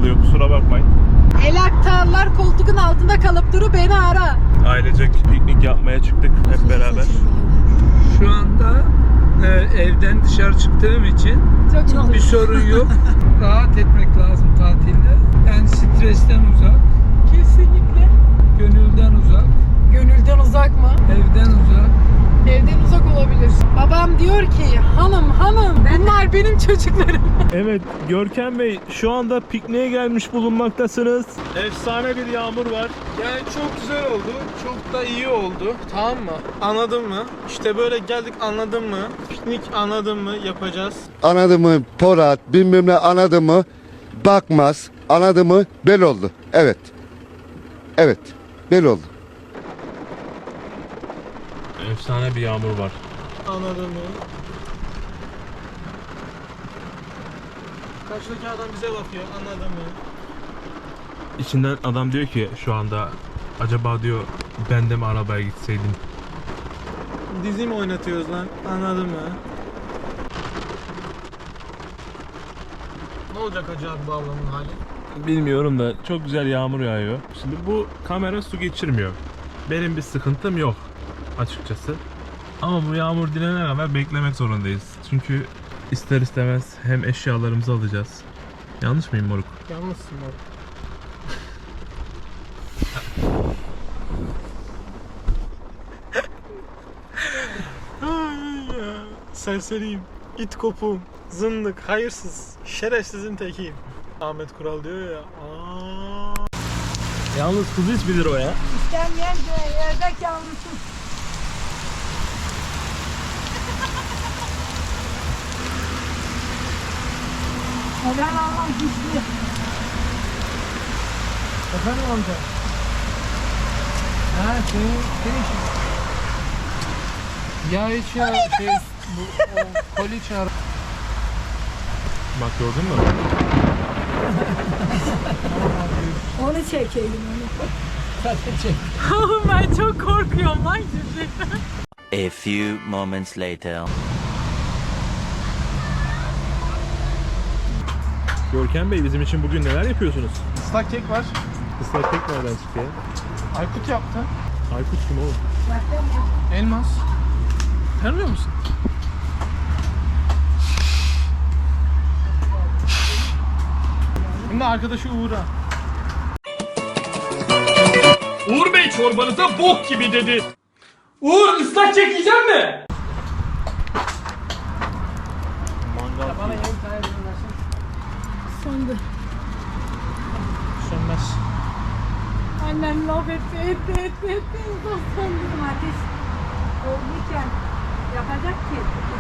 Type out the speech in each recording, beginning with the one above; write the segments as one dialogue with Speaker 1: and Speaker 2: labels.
Speaker 1: çalıyor, kusura bakmayın.
Speaker 2: El aktarlar koltuğun altında kalıp duru, beni ara.
Speaker 1: Ailecek piknik yapmaya çıktık hep beraber.
Speaker 3: Şu anda evden dışarı çıktığım için
Speaker 2: Çok
Speaker 3: bir sorun yok. Rahat etmek lazım tatilde. Yani stresten uzak,
Speaker 2: Kesinlikle.
Speaker 3: gönülden uzak,
Speaker 2: Gönülden uzak mı?
Speaker 3: evden uzak.
Speaker 2: Evden uzak olabilir. Babam diyor ki hanım bunlar benim çocuklarım.
Speaker 1: Evet, Görkem Bey şu anda pikniğe gelmiş bulunmaktasınız. Efsane bir yağmur var.
Speaker 4: Yani çok güzel oldu. Çok da iyi oldu. Tamam mı? Anladın mı? İşte böyle geldik, anladın mı? Piknik anladın mı? Yapacağız.
Speaker 5: Anladın mı Porat bilmem ne anladın mı bakmaz anladın mı bel oldu. Evet. Evet bel oldu.
Speaker 1: Efsane bir yağmur var.
Speaker 4: Anladın mı? Karşıdaki adam bize bakıyor. Anladın mı?
Speaker 1: İçinden adam diyor ki şu anda acaba diyor ben de mi arabaya gitseydim?
Speaker 4: Dizi mi oynatıyoruz lan? Anladın mı? Ne olacak acaba bu ablamın hali?
Speaker 1: Bilmiyorum da çok güzel yağmur yağıyor. Şimdi bu kamera su geçirmiyor. Benim bir sıkıntım yok açıkçası. Ama bu yağmur dinene kadar beklemek zorundayız. Çünkü ister istemez hem eşyalarımızı alacağız. Yanlış mıyım moruk?
Speaker 4: Yalnızsın bak. Ay ya. Serseriyim. İt kopuğum. Zındık. Hayırsız. Şerefsizin tekiyim. Ahmet Kural diyor ya.
Speaker 1: Yalnız kuzu ismidir o ya.
Speaker 2: İstenmeyen ördek yavrusu. Ben Allah'ım güçlü.
Speaker 4: Efendim amca. Ha senin işin. Ya hiç ya bu koli çağır.
Speaker 1: Bak gördün mü?
Speaker 2: Onu çekelim onu. Ben çok korkuyorum lan gerçekten.
Speaker 6: A few moments later.
Speaker 1: Görkem Bey bizim için bugün neler yapıyorsunuz?
Speaker 4: Islak kek var.
Speaker 1: Islak kek nereden çıktı ya?
Speaker 4: Aykut yaptı.
Speaker 1: Aykut kim oğlum?
Speaker 4: Elmas. Tanımıyor musun? Şimdi arkadaşı Uğur'a.
Speaker 7: Uğur Bey çorbanıza bok gibi dedi. Uğur ıslak kek yiyecek mi?
Speaker 2: Söndü.
Speaker 4: Sönmez.
Speaker 2: Annem laf etti. Söndü. Ateş olurken yapacak ki.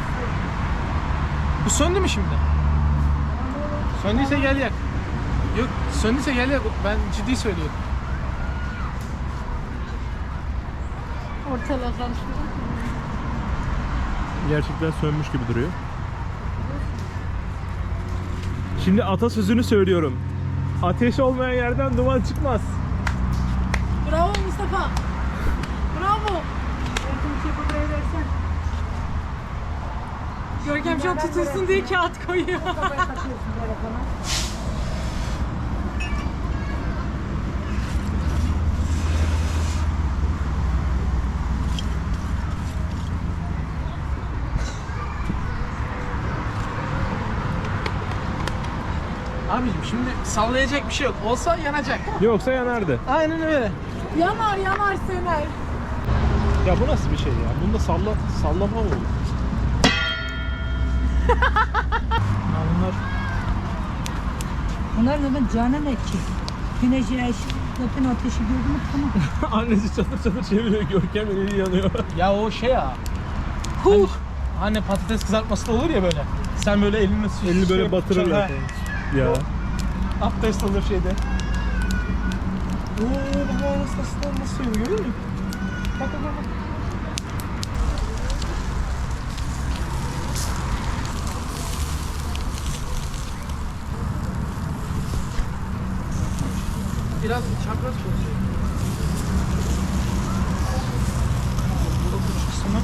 Speaker 4: Bu söndü mü şimdi? Söndüyse gel yak. Yok söndüyse gel yak. Ben ciddi söylüyorum.
Speaker 2: Ortalığa karıştırdım.
Speaker 1: Gerçekten sönmüş gibi duruyor. Şimdi atasözünü söylüyorum. Ateş olmayan yerden duman çıkmaz.
Speaker 2: Bravo Mustafa. Bravo. Görkem şu an tutulsun diye kağıt koyuyor.
Speaker 4: Abiciğim şimdi sallayacak bir şey yok. Olsa yanacak.
Speaker 1: Yoksa yanardı.
Speaker 4: Aynen öyle.
Speaker 2: Yanar söner.
Speaker 1: Ya bu nasıl bir şey ya? Bunda sallama mı olur?
Speaker 4: Bunlar
Speaker 8: Bunlar zaten canan etki. Güneş zaten ateşi gördü mü tamam.
Speaker 1: Annesi çatır çatır çeviriyor. Görkem eli yanıyor.
Speaker 4: ya o şey ya. Hani patates kızartması da olur ya böyle. Sen böyle elini
Speaker 1: Elini böyle batırır
Speaker 4: Ha.
Speaker 1: ya.
Speaker 4: Abdest alır şeyde. Baba nasıl söylüyor görüyor musun? Bak. Biraz çapraz çalışıyor. Bu kısmı.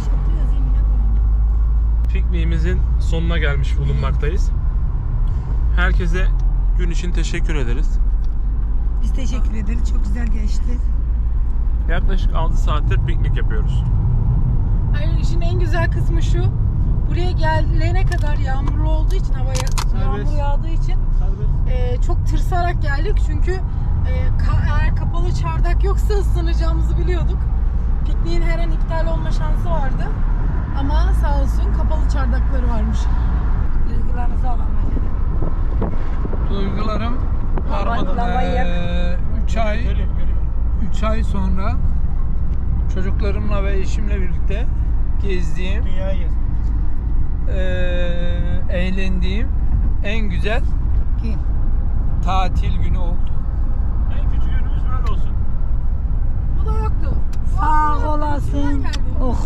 Speaker 1: Pikniğimizin sonuna gelmiş bulunmaktayız. Herkese gün için teşekkür ederiz.
Speaker 8: Biz teşekkür ederiz. Çok güzel geçti.
Speaker 1: Yaklaşık 6 saattir piknik yapıyoruz.
Speaker 2: Hayır, işin en güzel kısmı şu. Buraya gelene kadar yağmurlu olduğu için, yağmur yağdığı için çok tırsarak geldik. Çünkü eğer kapalı çardak yoksa ıslanacağımızı biliyorduk. Pikniğin her an iptal olma şansı vardı. Ama sağ olsun kapalı çardakları varmış.
Speaker 8: Duygularınızı alalım efendim.
Speaker 3: Duygularım
Speaker 8: Lambayı yak.
Speaker 3: 3 ay sonra çocuklarımla ve eşimle birlikte gezdiğim,
Speaker 4: Dünyayı gez.
Speaker 3: eğlendiğim en güzel
Speaker 8: Kim?
Speaker 3: tatil günü oldu.
Speaker 1: En küçük günümüz böyle olsun.
Speaker 2: Bu da yoktu.
Speaker 8: Sağ olasın. Oh.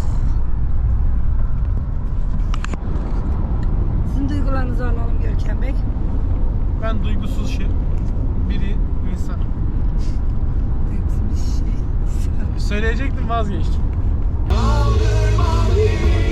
Speaker 8: Sizin duygularınızı alalım Görkem Bey.
Speaker 4: Ben duygusuz biri insan.
Speaker 8: Duygusuz bir şey.
Speaker 4: Söyleyecektim, vazgeçtim.